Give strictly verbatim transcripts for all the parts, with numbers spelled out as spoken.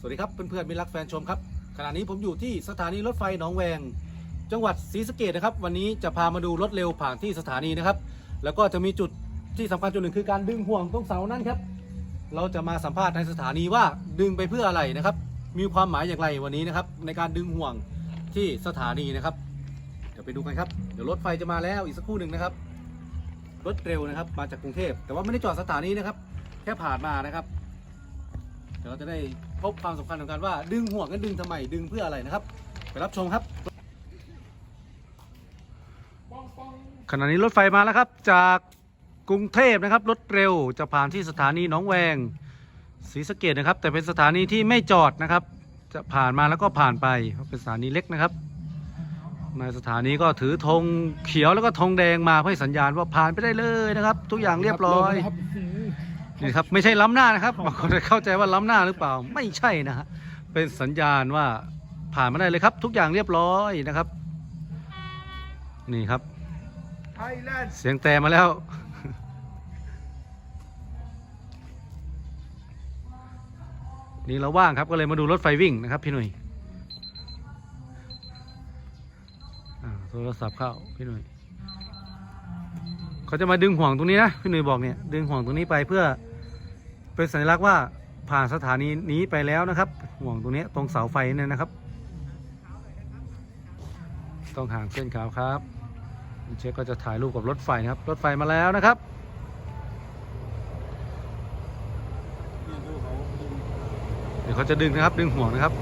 สวัสดีครับเพื่อนๆมิตรรักแฟนชมครับขณะนี้ผมอยู่ที่สถานีรถไฟหนองแวงจังหวัดศรีสะเกษนะครับวันนี้จะพามาดูรถเร็วผ่านที่สถานีนะครับแล้วก็จะมีจุดที่สำคัญจุดหนึ่งคือการดึงห่วงตรงเสานั่นครับเราจะมาสัมภาษณ์ในสถานีว่าดึงไปเพื่ออะไรนะครับมีความหมายอย่างไรวันนี้นะครับในการดึงห่วงที่สถานีนะครับเดี๋ยวไปดูกันครับเดี๋ยวรถไฟจะมาแล้วอีกสักครู่หนึ่งนะครับรถเร็วนะครับมาจากกรุงเทพแต่ว่าไม่ได้จอดสถานีนะครับแค่ผ่านมานะครับเดี๋ยวเราจะได้พบความสำคัญของการว่าดึงห่วงกันดึงทำไมดึงเพื่ออะไรนะครับไปรับชมครับขณะนี้รถไฟมาแล้วครับจากกรุงเทพนะครับรถเร็วจะผ่านที่สถานีหนองแวงศรีสะเกษนะครับแต่เป็นสถานีที่ไม่จอดนะครับจะผ่านมาแล้วก็ผ่านไปเป็นสถานีเล็กนะครับในสถานีก็ถือธงเขียวแล้วก็ธงแดงมาเพื่อให้สัญญาณว่าผ่านไปได้เลยนะครับทุกอย่างเรียบร้อยนี่ครับไม่ใช่ล้ำหน้านะครับบางคนเข้าใจว่าล้ำหน้าหรือเปล่าไม่ใช่นะฮะเป็นสัญญาณว่าผ่านมาได้เลยครับทุกอย่างเรียบร้อยนะครับนี่ครับเสียงแต่มาแล้วนี่เราว่างครับก็เลยมาดูรถไฟวิ่งนะครับพี่หนุ่ยโทรศัพท์เข้าพี่หนุ่ยเขาจะมาดึงห่วงตรงนี้นะพี่หนุ่ยบอกเนี่ยดึงห่วงตรงนี้ไปเพื่อเป็นสัญลักษณ์ว่าผ่านสถานีนี้ไปแล้วนะครับห่วงตรงนี้ตรงเสาไฟเนี่ยนะครับต้องห่างเส้นขาวครับเช็คก็จะถ่ายรูปกับรถไฟนะครับรถไฟมาแล้วนะครับเดี๋ยวเขาจะดึงนะครับดึงห่วงนะครับ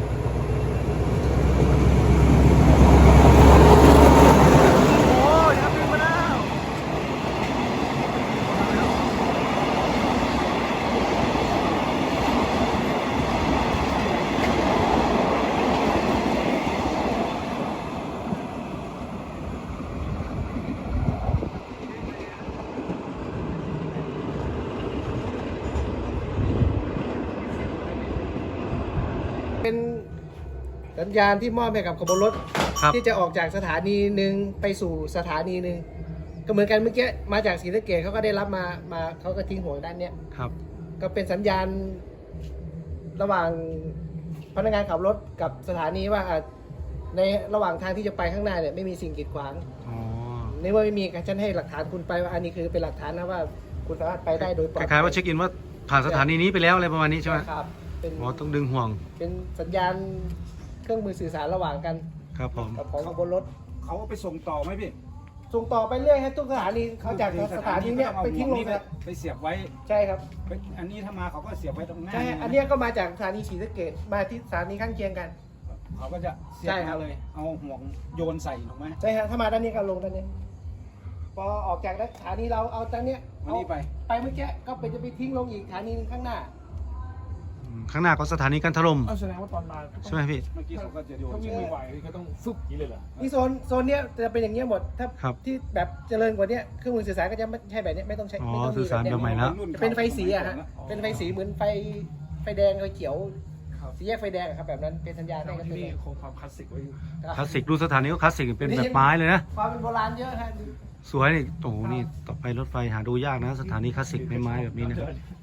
เป็นสัญญาณที่มอบให้กับขบวนรถที่จะออกจากสถานีหนึ่งไปสู่สถานีหนึ่งก็เหมือนกันเมื่อกี้มาจากศรีสะเกษเขาก็ได้รับมามาเขาก็ทิ้งห่วงด้านเนี้ยครับก็เป็นสัญญาณระหว่างพนักงานขับรถกับสถานีว่าในระหว่างทางที่จะไปข้างหน้าเนี่ยไม่มีสิ่งกีดขวางในเมื่อไม่มีฉันให้หลักฐานคุณไปว่าอันนี้คือเป็นหลักฐานนะว่าคุณสามารถไปได้โดยปลอดภัยคล้ายๆว่าเช็คอินว่าผ่านสถานีนี้ไปแล้วอะไรประมาณนี้ใช่ไหมครับอ๋อต้องดึงห่วงเป็นสัญญาณเครื่องมือสื่อสารระหว่างกันครับผมกับของบนรถเขาไปส่งต่อไหมพี่ส่งต่อไปเรื่อยครับทุกสถานีเขาจากสถานีเนี้ยไปทิ้งลงไปเสียบไว้ใช่ครับอันนี้ถ้ามาเขาก็เสียบไว้ตรงหน้าใช่อันนี้ก็มาจากสถานีศรีสะเกษมาที่สถานีข้างเคียงกันเขาก็จะเสียบมาเลยเอาห่วงโยนใส่ถูกไหมใช่ครับถ้ามาด้านนี้ก็ลงด้านนี้พอออกจากสถานีเราเอาด้านเนี้ยเอาไปไปเมื่อกี้ก็ไปจะไปทิ้งลงอีกสถานีข้างหน้าข้างหน้าก็สถานีกันถล่มแสดงว่าตอนมาใช่ไหมพี่เมื่อกี้เขาก็จะโยนเขาวิ่งไม่ไหวเขาต้องฟึบนี้เลยเหรอนี่โซนโซนเนี้ยจะเป็นอย่างเงี้ยหมดถ้าที่แบบเจริญกว่านี้เครื่องมือสื่อสารก็จะไม่ใช่แบบนี้ไม่ต้องใช้ไม่ต้องมีแบบนี้เป็นไฟสีอะฮะเป็นไฟสีเหมือนไฟไฟแดงไฟเขียวสีแยกไฟแดงครับแบบนั้นเป็นสัญญาณให้กันที่นี่คงความคลาสสิกไว้อยู่คลาสสิกดูสถานีก็คลาสสิกเป็นแบบไม้เลยนะความเป็นโบราณเยอะฮะสวยนี่โอ้โหนี่ต่อไปรถไฟหาดูยากนะสถานีคลาสสิกไม้ไม้แบบนี้นะ